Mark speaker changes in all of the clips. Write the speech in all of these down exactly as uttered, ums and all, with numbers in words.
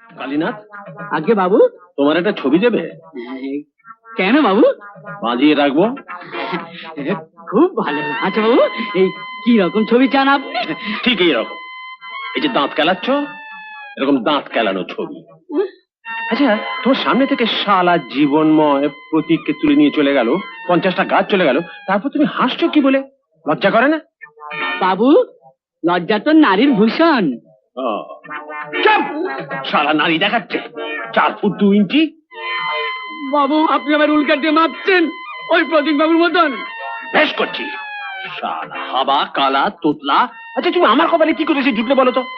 Speaker 1: কালীনাথ,
Speaker 2: আগে বাবু।
Speaker 1: তোমার একটা ছবি দেবে?
Speaker 2: কেন বাবু?
Speaker 1: বাজিয়ে রাখবো।
Speaker 2: খুব ভালো। আচ্ছা বাবু, এই কি রকম ছবি চান আপনি?
Speaker 1: ঠিক এইরকম। এই যে দাঁত কেলাচ্ছ, এরকম দাঁত কেলানো ছবি। আচ্ছা, তোমার সামনে থেকে শালা জীবনময় প্রতীককে তুলে নিয়ে চলে গেল, পঞ্চাশটা গাছ চলে গেল, তারপর তুমি হাসছো কি বলে? লজ্জা করে না?
Speaker 2: বাবু, লজ্জা তো নারীর ভূষণ।
Speaker 1: চুপ! শালা নারী দেখাচ্ছে চার ফুট দু ইঞ্চি।
Speaker 2: বাবু, আপনি আমার উল্কা দিয়ে মাপছেন ওই প্রতীক বাবুর মতন।
Speaker 1: বেশ করছি। শালা হাবা কালা তোতলা। আচ্ছা, তুমি আমার কপালে কি করেছে জুটলে বলো তো?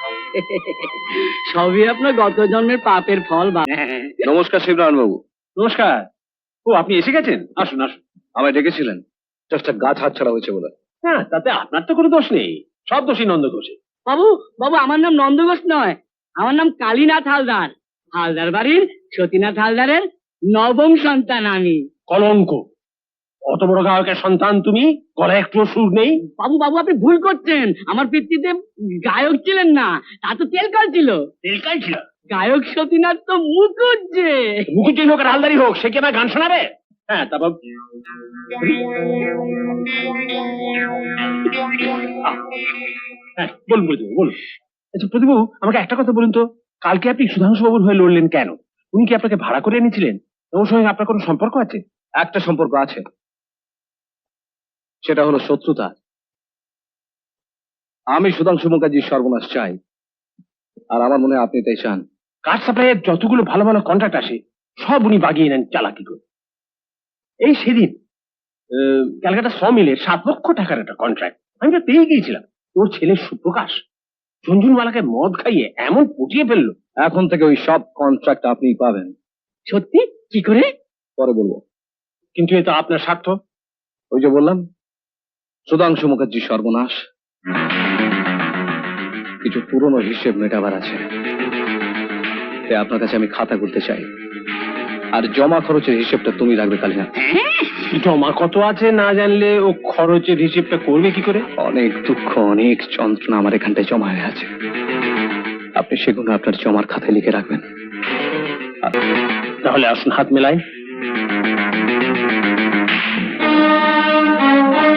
Speaker 2: সবই আপনার গত জন্মের পাপের ফল।
Speaker 3: নমস্কার শিবনারায়ণ বাবু।
Speaker 1: নমস্কার। ও, আপনি এসে গেছেন? আসুন আসুন।
Speaker 3: আমায় ডেকেছিলেন? একটা গাছ হাত ছাড়া হয়েছে বলে।
Speaker 1: হ্যাঁ, তাতে আপনার তো কোনো দোষ নেই, সব দোষী নন্দ ঘোষে।
Speaker 2: বাবু, বাবু আমার নাম নন্দ ঘোষ নয়, আমার নাম কালীনাথ হালদার। হালদার বাড়ির সতীনাথ হালদারের নবম সন্তান আমি।
Speaker 1: কলঙ্ক! অত বড় গায়কের সন্তান তুমি, গলায় একটু সুর নেই?
Speaker 2: বাবু বাবু আপনি ভুল করছেন, আমার পিতৃতে গায়ক ছিলেন না, তা তো তেলকাল ছিল।
Speaker 1: তেলকাল ছিল?
Speaker 2: গায়ক সতীনাথ তো মুখুজ্জে।
Speaker 1: মুখুজ্জি হোক আর হালদারি হোক, সে কি আমার গান শোনাবে? হ্যাঁ, তারপর হ্যাঁ বলুন প্রতিভু, বলুন। আচ্ছা প্রতিভু, আমাকে একটা কথা বলুন তো, কালকে আপনি সুধাংশু বাবুর হয়ে লড়লেন কেন? উনি কি আপনাকে ভাড়া করে এনেছিলেন? ওর সঙ্গে আপনার কোনো সম্পর্ক আছে?
Speaker 3: একটা সম্পর্ক আছে, সেটা হলো শত্রুতা। আমি সুধাংশু মুখার্জির সর্বনাশ চাই, আর আমার মনে হয় আপনি তাই চান।
Speaker 1: কাঠ সাপ্লাইয়ের যতগুলো ভালো ভালো কন্ট্রাক্ট আসে সব উনি বাগিয়ে নেন চালাকি করে। এই সেদিন ক্যালকাটা শ মিলের সাত লক্ষ টাকার একটা কন্ট্রাক্ট আমি তো পেয়ে গিয়েছিলাম। ওর ছেলে সুপ্রকাশ ঝুনঝুনওয়ালাকে মদ খাইয়ে এমন পটিয়ে ফেললো।
Speaker 3: এখন থেকে ওই সব কন্ট্রাক্ট আপনি পাবেন।
Speaker 2: সত্যি? কি করে?
Speaker 3: পরে বলবো।
Speaker 1: কিন্তু এটা আপনার স্বার্থ।
Speaker 3: ওই যে বললাম, সুধাংশু মুখার্জির সর্বনাশ, কিছু পুরনো হিসেব মেটাবার আছে। তাই আপনার কাছে আমি খাতা করতে চাই, আর জমা খরচের হিসেবটা তুমি রাখবে কালীনাথ।
Speaker 1: জমা কত আছে না জানলে ও খরচের হিসেবটা করবে কি করে?
Speaker 3: অনেক দুঃখ, অনেক যন্ত্রণা আমার এখানটায় জমা হয়ে আছে, আপনি সেগুলো আপনার জমার খাতায় লিখে রাখবেন।
Speaker 1: তাহলে আসুন হাত মেলাই।